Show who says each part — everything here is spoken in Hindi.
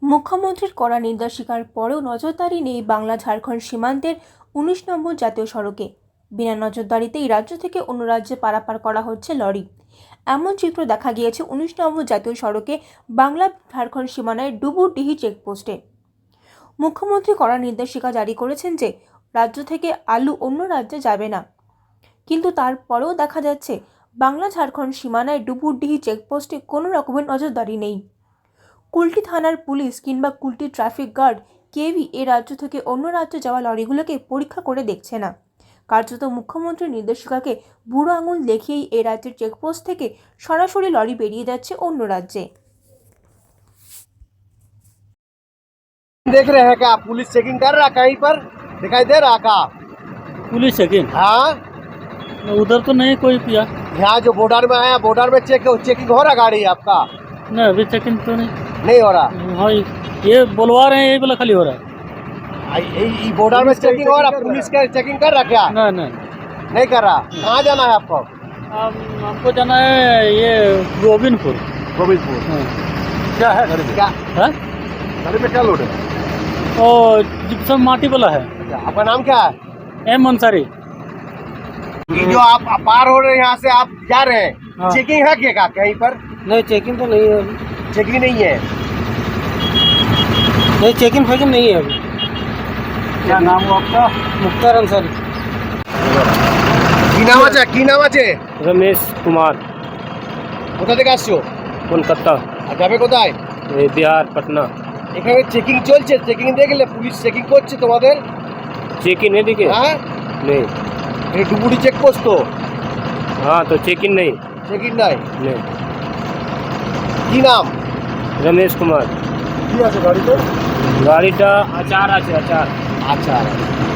Speaker 1: মুখ্যমন্ত্রীর কড়া নিন্দা স্বীকার পরেও নজরদারি নেই বাংলা ঝাড়খণ্ড সীমান্তের ১৯ নম্বর জাতীয় সড়কে। বিনা নজরদারিতেই রাজ্য থেকে অন্য রাজ্যে পারাপার করা হচ্ছে লরি। এমন চিত্র দেখা গিয়েছে ১৯ নম্বর জাতীয় সড়কে বাংলা ঝাড়খণ্ড সীমানায় ডুবুরডিহি চেকপোস্টে। মুখ্যমন্ত্রী কড়া নির্দেশিকা জারি করেছেন যে রাজ্য থেকে আলু অন্য রাজ্যে যাবে না, কিন্তু তারপরেও দেখা যাচ্ছে বাংলা ঝাড়খণ্ড সীমানায় ডুবুরডিহি চেকপোস্টে কোনো রকমের নজরদারি নেই। কুলটি থানার পুলিশ কিংবা কুলটি ট্রাফিক গার্ড কেউই এ রাজ্য থেকে অন্য রাজ্যে যাওয়া লরিগুলোকে পরীক্ষা করে দেখছে না। কার্যত মুখ্যমন্ত্রীর নির্দেশিকাকে বুড়ো আঙুল দেখিয়েই এ রাজ্যের চেকপোস্ট থেকে সরাসরি লরি বেরিয়ে যাচ্ছে অন্য রাজ্যে।
Speaker 2: देख रहे हैं क्या पुलिस चेकिंग कर रहा कहीं पर दिखाई दे रहा का?
Speaker 3: Police checking?
Speaker 2: हाँ,
Speaker 3: उधर तो नहीं कोई किया।
Speaker 2: यहाँ जो बॉर्डर में आया बॉर्डर में चेकिंग हो रहा गाड़ी आपका?
Speaker 3: नहीं, अभी चेकिंग तो
Speaker 2: नहीं हो रहा।
Speaker 3: हाँ, ये बुलवा रहे हैं, ये वाला खाली हो रहा है।
Speaker 2: बॉर्डर में चेकिंग हो रहा, पुलिस का चेकिंग कर रहा क्या? नहीं कर रहा। कहाँ जाना है आपको?
Speaker 3: हमको जाना है ये गोविंदपुर।
Speaker 2: गोविंदपुर। क्या है गाड़ी में? क्या
Speaker 3: है
Speaker 2: गाड़ी में क्या लोड है?
Speaker 3: और जिप्सम माटी वाला है।
Speaker 2: आपका नाम क्या है?
Speaker 3: एम अंसारी।
Speaker 2: ये जो आप पार हो रहे हैं यहाँ से आप जा रहे हैं,
Speaker 3: हाँ।
Speaker 2: चेकिंग है क्या कहीं पर?
Speaker 3: नहीं, चेकिंग तो नहीं है अभी।
Speaker 2: चेकिंग नहीं है।
Speaker 3: नहीं, चेकिंग फेकिंग नहीं है अभी।
Speaker 2: क्या नाम हो आपका?
Speaker 3: मुख्तार अंसारी।
Speaker 2: কি নাম আছে?
Speaker 3: रमेश कुमार।
Speaker 2: কোথা থেকে আসছো?
Speaker 3: कोलकाता।
Speaker 2: আর যাবে কোথায়?
Speaker 3: बिहार पटना।
Speaker 2: এখানে চেকিং চলছে, চেকিং দেখলে পুলিশ চেকিং করছে তোমাদের?
Speaker 3: चेकिंग नहीं दिखे?
Speaker 2: হ্যাঁ,
Speaker 3: नहीं।
Speaker 2: এটা ডুবুরি চেকপোস্ট তো?
Speaker 3: हाँ, तो चेकिंग नहीं।
Speaker 2: চেকিং নাই।
Speaker 3: नहीं।
Speaker 2: কি নাম?
Speaker 3: रमेश कुमार।
Speaker 2: কি আছে গাড়িতে?
Speaker 3: गाड़ी का अचार আছে अचार।
Speaker 2: আচ্ছা।